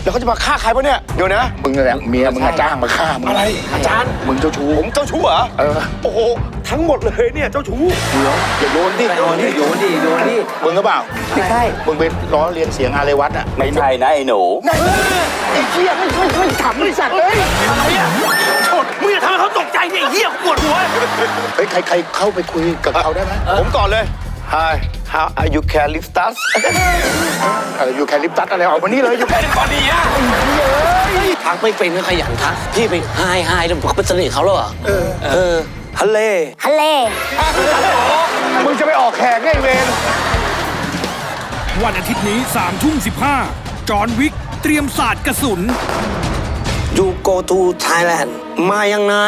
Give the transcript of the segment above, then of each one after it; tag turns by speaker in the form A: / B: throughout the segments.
A: แล้วเขาจะมาฆ่าใครปะเนี่ยเดี๋ยวนะมึงนั่นแหละเมียมึงจ้างมาฆ่ามึงอะไรอาจารย์มึงเจ้าชู้ผมเจ้าชู้เหรอโอ้โหทั้งหมดเลยเนี่ยเจ้าชู้อย่าโยนดิโยนดิมึงก็เปล่าไม่ใช่มึงไปล้อเลียนเสียงอาเรวัตอ่ะ
B: ไม่ใช่นะไอ้หนู
A: ไอ้เหี้ยไม่ขำไม่สัตว์เลย
C: อะไรอ่ะโทษมึงอย่าทำให้เขาตกใจเนี่ยไอ้เหี้ยปวดหัว
A: เฮ้ยใครเข้าไปคุยกับเขาได้ไหมผมก่อนเลย Hi how are you can lift us อยู่แคลิปตัสอะไรออกมานี่เลยอยู่แคลิปตัสนี่อ่ะ
C: ทักไม่เป็นก็ขยันทักพี่ไปไฮแล้วเป็นเสน่ห์เขาแล้วเหรอฮัลเล
A: มึงจะไปออกแขกไงเวร
D: วันอาทิตย์นี้3:15จอห์นวิกเตรียมศาสตร์กระสุน
C: You go to Thailand มายังไง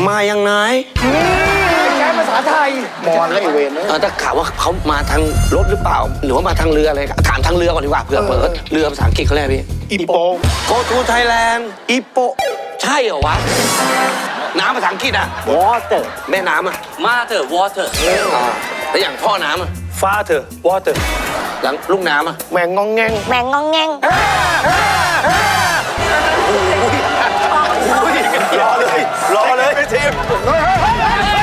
A: แกภาษาไทยมอนแล้วไอเวร
C: ถ้าข่าวว่าเขามาทางรถหรือเปล่าหรือว่ามาทางเรืออะไรถามทางเรือก่อนดีกว่าเผื่อเปิดเรือภาษาอังกฤษเขาเรียกพี่
A: อีโป
C: Go to Thailand อีโปใช่เหรอวะน้ำภาษาอังกฤษอะ
B: water
C: แม่น้ำอะMother water แล้วอย่างพ่อน้ำอะ
A: Father Water
C: หลังลูกน้ำอะ
A: แมงงองแงงรอเลยทีม